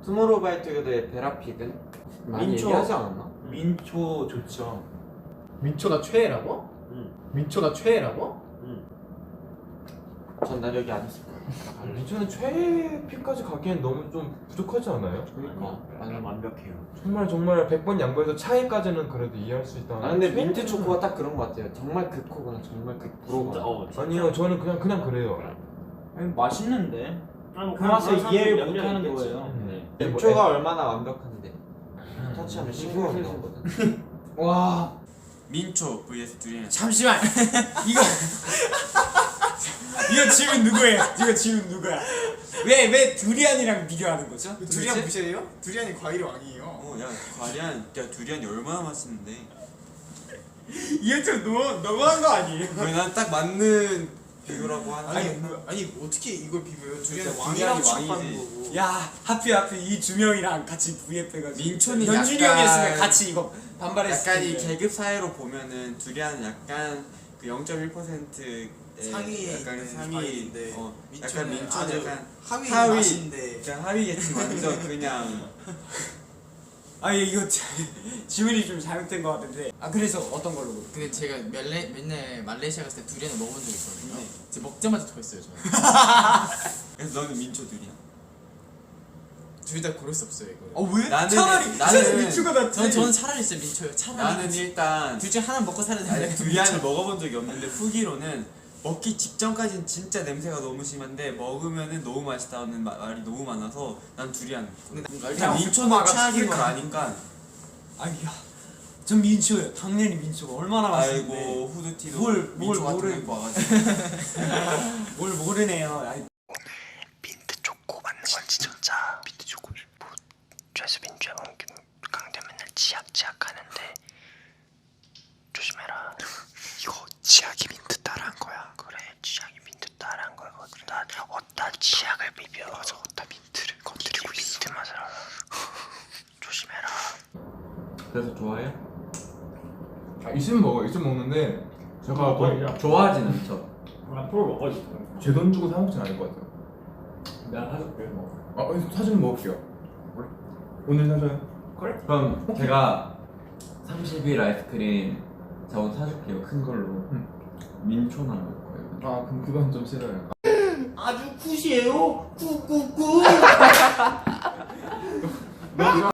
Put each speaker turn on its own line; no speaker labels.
투모로우바이투게더의 베라픽은 많이
민초.
얘기하지 않았나?
민초 좋죠.
민초가 최애라고? 민초가 최애라고?
전난 여기 안 있을 거야.
민초는 최애픽까지 가기엔 너무 좀 부족하지 않아요?
그러니까
나는 완벽해요.
정말 100번 양보해서 차이까지는 그래도 이해할 수 있다.
아 근데 민트 초코가 딱 그런 거 같아요. 정말 극코거나 정말 극브로거나.
진짜.
아니요, 저는 그냥 그래요.
아니, 맛있는데
아니,
그 맛을 이해를
몇
못하는
명 있겠지.
거예요. 네.
민초가 얼마나 완벽한데 터치하면 신고가 나오거든.
와
민초 vs 두리안.
잠시만 이거 질문 누구예요? 이거 질문 누구야? 왜 두리안이랑 비교하는 거죠?
두리안 무시해요? 두리안이 과일의 왕이에요.
야 두리안이 얼마나 맛있는데.
이게 좀 너무한 거 아니에요?
왜 난 딱 맞는 비교라고 하는.
아니 어떻게 이걸 비벼요? 두리안은
그러니까
왕이라고
두리안이
취급하는
왕이지.
거고.
야 하필 이 두 명이랑 같이 VF 해가지고
민초는
현준이
약간-
형이었으면 같이 이거 반발했을
약간 이
텐데.
계급 사회로 보면은 두리안은 약간 그 0.1%의
상위에
약간
있는
상위.
과일인데
약간
민초는
민초는
아주
약간
하위
하위.
맛인데.
그냥 하위겠지. 완전 그냥.
아니 이거 질문이 좀 잘못된 것 같은데. 아 그래서 어떤 걸로?
근데 제가 맨날 말레이시아 갔을 때 두리안을 먹어본 적이 있거든요. 제가 먹자마자 토했어요 저는.
그래서 너는 민초 두리안.
둘 다 고를 수 없어요 이거.
왜?
나는
차라리 민초가 낫지.
저는 차라리 진짜 민초요. 차라리.
나는 일단
둘 중에 하나 먹고 살아야 되는데.
두리안을 먹어본 적이 없는데 후기로는 먹기 직전까지는 진짜 냄새가 너무 심한데 먹으면은 너무 맛있다는 말이 너무 많아서 난 두리안. 일단 민초는 최악인 걸 아니까.
아니야. 전 민초예요. 당연히 민초가 얼마나 맛있는데.
아이고 후드티도
뭘
민초 같은 거
모르-
입고 와가지고.
뭘 모르네요. 아니,
민트 초코 맞는 건 진짜 민트 초코 뭐 최수빈 강대 맨날 치약 하는데 조심해라. 이거 치약이 민트 따라한 거야. 그래, 치약이 민트 따라한 거야. 어디다 치약을 비벼. 맞아, 어디다 민트를 건드리고 있어. 민트 맛을 알아. 조심해라.
그래서 좋아해요? 있으면 먹어요. 있으면 먹는데 제가
먹어야죠.
좋아하진 않죠.
앞으로 먹어야지.
제 돈 주고 사 먹진 않을 것 같아요.
내가 사줄게 뭐.
사주면 먹을게요. 오늘 사줘요.
그래?
그럼 제가 30일 아이스크림 저 오늘 사줄게요. 큰 걸로. 민초만 먹을 거예요.
아, 그럼 그건 좀 싫어요.
아주 굿이에요. 굿.